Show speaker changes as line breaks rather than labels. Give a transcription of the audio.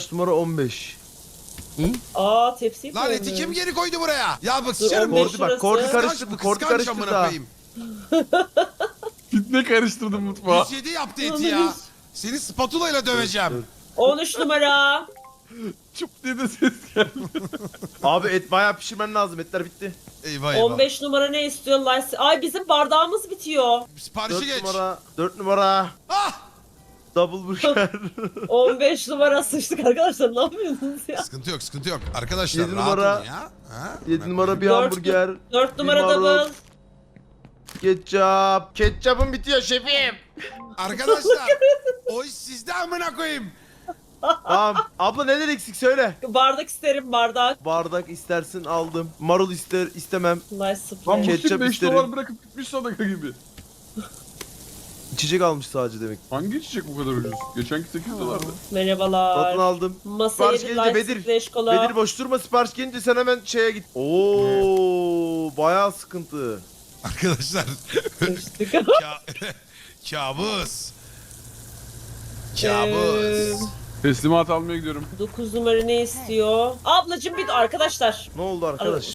Numara 15.
Aa tepsiyi
Lan eti
koymuş.
kim geri koydu buraya? Ya bak
Dur,
sıçarım.
15
Kordi bak,
şurası.
Kordi
Kıskanç
karıştırdı,
bu,
Kordi
kıskanç
karıştırdı
amına
ha.
koyayım.
Fitne karıştırdım mutfağa.
107 yaptı eti ya. Seni spatula ile döveceğim.
13 numara.
Çıp diye de ses geldi.
Abi et bayağı pişirmen lazım, etler bitti.
Eyvah eyvah.
15 numara ne istiyor lan? Ay bizim bardağımız bitiyor.
Siparişi
4
geç.
numara, 4 numara.
Ah!
Double burger.
15 numara sıçtık arkadaşlar, ne yapıyorsunuz ya?
Sıkıntı yok, sıkıntı yok. Arkadaşlar
7
rahat
numara.
olun ya. Ha?
7 numara bir
Dört-
hamburger.
4 numara
marul.
double.
Ketçap. Ketçapım bitiyor şefim.
Arkadaşlar o iş sizde amına koyayım.
Tamam. Abla neler eksik söyle.
Bardak isterim, bardak.
Bardak istersin aldım. Marul istemem.
Nice
Lan
spray.
Muhsin
Ketçap
5
isterim.
dolar bırakıp gitmiş sadaka gibi.
İçecek almış sadece demek.
Hangi içecek bu kadar ucuz? Geçenki 8 dolardı.
Merhabalar.
Satın aldım.
Masaya
Sipariş
bir
gelince
light
Bedir.
spray kola.
Bedir boş durma, sipariş gelince sen hemen şeye git. Oo, bayağı sıkıntı.
Arkadaşlar
Sıçtık.
kabus. Kabus.
Teslimat almaya gidiyorum.
9 numara ne istiyor? Ablacım bir arkadaşlar.
Ne oldu arkadaş?